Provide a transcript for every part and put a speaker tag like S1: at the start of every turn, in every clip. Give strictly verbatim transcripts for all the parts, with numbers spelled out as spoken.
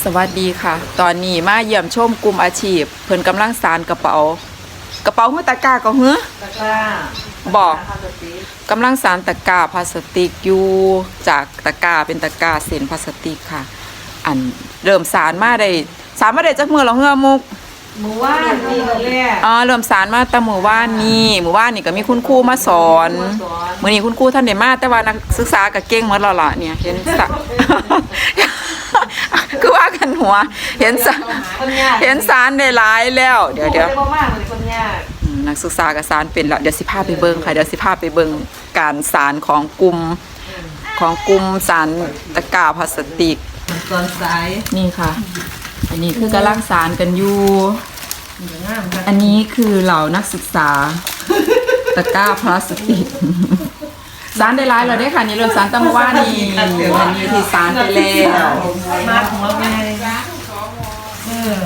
S1: สวัสดีค่ะตอนนี้มาเยี่ยมชมกลุ่มอาชีพเพิ่นกำลังสานกระเป๋ากระเป๋าหื้อตะกร้าก็หื้อ
S2: ตะกร้า
S1: บอกกำลังสานตะกร้าพลาสติกอยู่จากตะกร้าเป็นตะกร้าเส้นพลาสติกค่ะอันเริ่มสานมาได้สานมาได้จักมื้อแล้วเฮือมุก
S2: หมู่ว่านนี่ก็แรก
S1: อ๋อเริ่มสานมาแต่มื้อวานนี้มื้อวานนี่ก็มีคุณครูมาสอนมื้อนี้คุณครูท่านได้มาแต่ว่านักศึกษาก็เก่งหมดแล้วล่ะเนี่ยเห็นสะ คือว่ากันหัวเห็นสารเห็นสารได้หลายแล้วเดี๋ยวเดี๋ยวนักศึกษากับสารเป็นแล้วเดี๋ยวสิพาไปเบิ่งค่ะเดี๋ยวสิพาไปเบิ่งการสารของกลุ่มของกลุ่มสารตะกร้าพลาสติก
S2: ตอนสาย
S1: นี่ค่ะอันนี้คือกำลังสารกันอยู่อันนี้คือเหล่านักศึกษาตะกร้าพลาสติกสารได้หลายแล้วได้ค่ะนี่เริ่มสารตั้งว่านี่อันนี้ที่สารไปแล้ว
S2: มาของเราไงเออ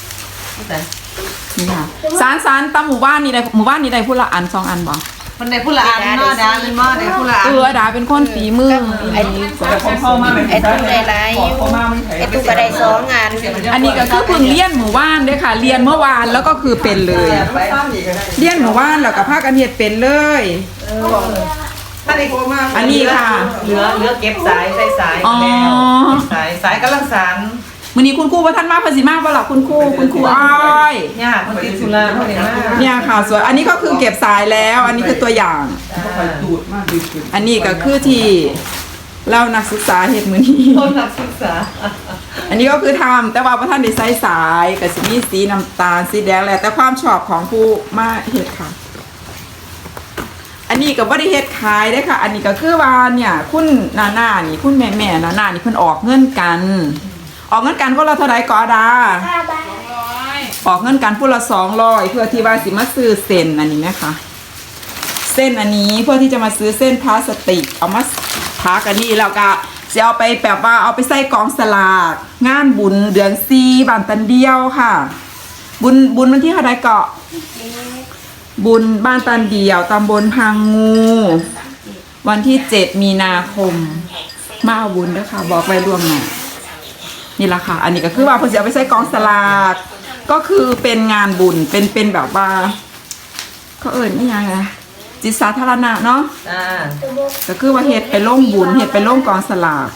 S1: นี่ค่ะสารสารตั้งหมู่บ้านนี่ได้หมู่บ้านนี่ได้พูดละอันสองอันบ่
S2: มันได้พูดละอันเนาะดาเป็นหม้อได้พูดละอัน
S1: เออดาเป็นคนฝีมือ
S3: ไอ้ไอ้ตุ๊กได้หลายไอ้ตุ๊กก็ได้สองงาน
S1: อันนี้ก็คือเพิ่งเรียนหมู่บ้านด้วยค่ะเรียนเมื่อวานแล้วก็คือเป็นเลยเรียนหมู่บ้านแล้วก็ภาคกันเฮ็ดเป็นเลยอันนี้ค่ะ
S2: เหลือเหลือเก็บสายใส่สายแล้วสายสายกำลังสาน
S1: มื้อนี้คุณครูว่าท่านมาภาษีมากบ่ล่ะคุณครูคุณครูอ้อย
S2: เนี่ยคนติดสุราเขาเห็นมาก
S1: เนี่ยค่ะสวยอันนี้ก็คือเก็บสายแล้วอันนี้คือตัวอย่างอันนี้ก็คือที่เล่านักศึกษาเฮ็ดมื้อนี้
S2: ต้นนักศึกษา
S1: อันนี้ก็คือทำแต่ว่าพระท่านได้ใส่สายกับสีนี้สีน้ำตาลสีแดงแหละแต่ความชอบของผู้มาเฮ็ดค่ะอันนี้ก็บ่ได้เฮ็ดขายได้ค่ะอันนี้ก็คือว่าเนี่ยคุณนานานี่คุณแม่แม่นานานี่เพิ่นออกเงินกันออกเงินกันคนละเท่าไหร่ก็ดาออกเงินกันคนละสองร้อยเพื่อที่ว่าสิมาซื้อเส้นอันนี้นะคะเส้นอันนี้เพื่อที่จะมาซื้อเส้นพลาสติกเอามาพักอันนี้แล้วก็จะเอาไปแบบว่าเอาไปใส่กองสลากงานบุญเดือนสี่บ้านตันเดียวค่ะบุญบุญวันที่เท่าไหร่ก็บุญบ้านตันเดียวตำบลพังงูวันที่เจ็ดมีนาคมมาเอาบุญด้วยค่ะบอกไปล่วงหน้านี่แหละค่ะอันนี้ก็คือว่าเพื่อจะเอาไปใส่กองสลากก็คือเป็นงานบุญเป็นเป็นแบบว่าเขาเอ่ยนี่ยังไงจิตสาธารณะเนาะก็คือว่าเฮ็ดไปล่งบุญเฮ็ดไปล่งกองสลาก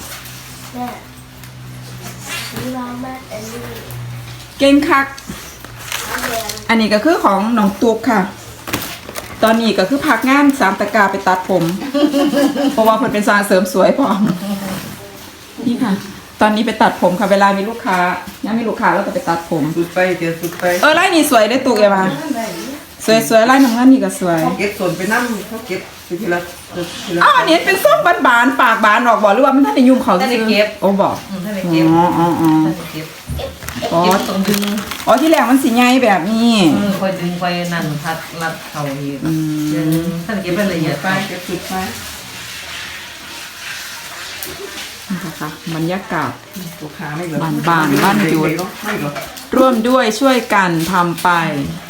S1: เก่งคักอันนี้ก็คือของน้องตุ๊กค่ะตอนนี้ก็คือพักงานสามตะกาไปตัดผมเพราะว่าเพิ่นเป็นสาวเสริมสวยพร้อมนี่ค่ะตอนนี้ไปตัดผมค่ะเวลามีลูกค้าเนี่ยมีลูกค้าแล้วก็ไปตัดผม
S2: สุดไปเจอสุดไป
S1: เออไล่นี่สวยได้ตุ๊กเอมาสวยสวยไล่น้ำเงินนี่ก็สวย
S2: เก็บส่วนไปนั่งเขาเก็บทีละ
S1: อ้าวอันนี้เป็นส้มบานๆปากบานออกบอกหรือว่ามันท่านในยุ่งเขา
S2: ท่านในเก็บ
S1: โอ้บอก
S2: อ๋ออ๋ออ๋อเก็บอ๋อตรงดึง
S1: อ๋อที่แรกมันสีใหญ่แบบนี้
S2: คอยดึงไปนั่นพัดรัดเข่าอีกท่านเก็บไปละเอียดไปเก็บสุดไป
S1: นะคะบรรยากาศบ้านบ้านบ้านจุดร่วมด้วยช่วยกันทำไป